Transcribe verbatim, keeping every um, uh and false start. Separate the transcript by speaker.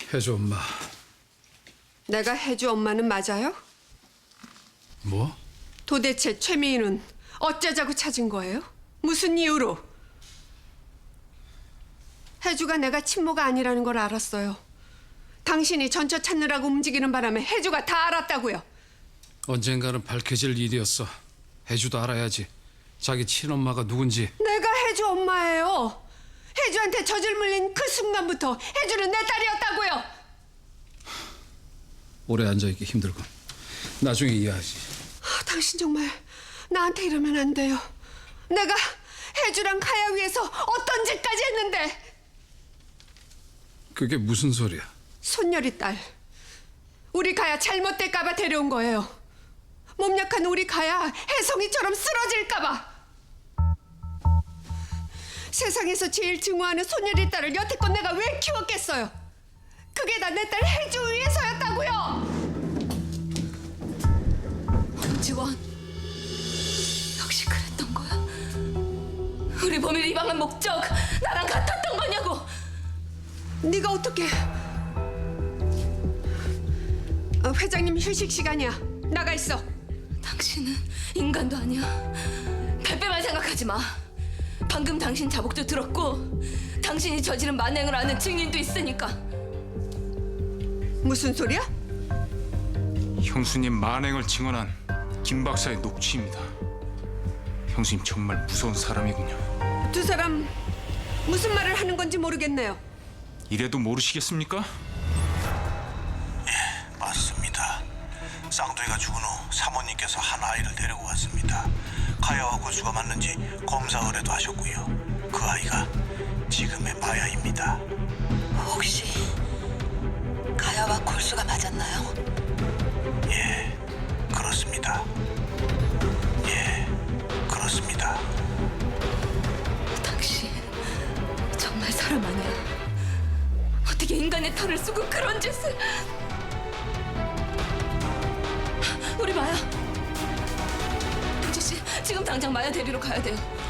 Speaker 1: 혜주 엄마.
Speaker 2: 내가 혜주 엄마는 맞아요?
Speaker 1: 뭐?
Speaker 2: 도대체 최미희는 어쩌자고 찾은 거예요? 무슨 이유로? 혜주가 내가 친모가 아니라는 걸 알았어요. 당신이 전처 찾느라고 움직이는 바람에 혜주가 다 알았다고요.
Speaker 1: 언젠가는 밝혀질 일이었어. 혜주도 알아야지. 자기 친엄마가 누군지.
Speaker 2: 내가 혜주 엄마예요. 혜주한테 젖을 물린 그 순간부터 혜주는 내 딸이었다고요.
Speaker 1: 오래 앉아있기 힘들군. 나중에 이해하지.
Speaker 2: 아, 당신 정말 나한테 이러면 안 돼요. 내가 혜주랑 가야 위해서 어떤 짓까지 했는데.
Speaker 1: 그게 무슨 소리야?
Speaker 2: 손녀리 딸. 우리 가야 잘못될까봐 데려온 거예요. 몸 약한 우리 가야 혜성이처럼 쓰러질까봐. 세상에서 제일 증오하는 손녀리 딸을 여태껏 내가 왜 키웠겠어요? 그게 다 내 딸 혜주 위해서였다고요.
Speaker 3: 홍지원, 역시 그랬던 거야? 우리 범인을 이방한 목적 나랑 같았던 거냐고?
Speaker 2: 네가 어떻게? 어, 회장님 휴식 시간이야. 나가 있어.
Speaker 3: 당신은 인간도 아니야. 발뺌만 생각하지 마. 방금 당신 자복도 들었고 당신이 저지른 만행을 아는 증인도 있으니까.
Speaker 2: 무슨 소리야?
Speaker 4: 형수님 만행을 증언한 김 박사의 녹취입니다. 형수님 정말 무서운 사람이군요.
Speaker 2: 두 사람 무슨 말을 하는 건지 모르겠네요.
Speaker 4: 이래도 모르시겠습니까?
Speaker 5: 예, 맞습니다. 쌍둥이가 죽은 후 사모님께서 한 아이를 데리고 왔습니다. 가야와 골수가 맞는지 검사 의뢰도 하셨고요. 그 아이가 지금의 마야입니다.
Speaker 6: 혹시 가야와 골수가 맞았나요?
Speaker 5: 예, 그렇습니다. 예, 그렇습니다.
Speaker 3: 당신 정말 사람 아니야. 어떻게 인간의 털을 쓰고 그런 짓을. 우리 마야. 동지 씨, 지금 당장 마야 데리러 가야 돼요.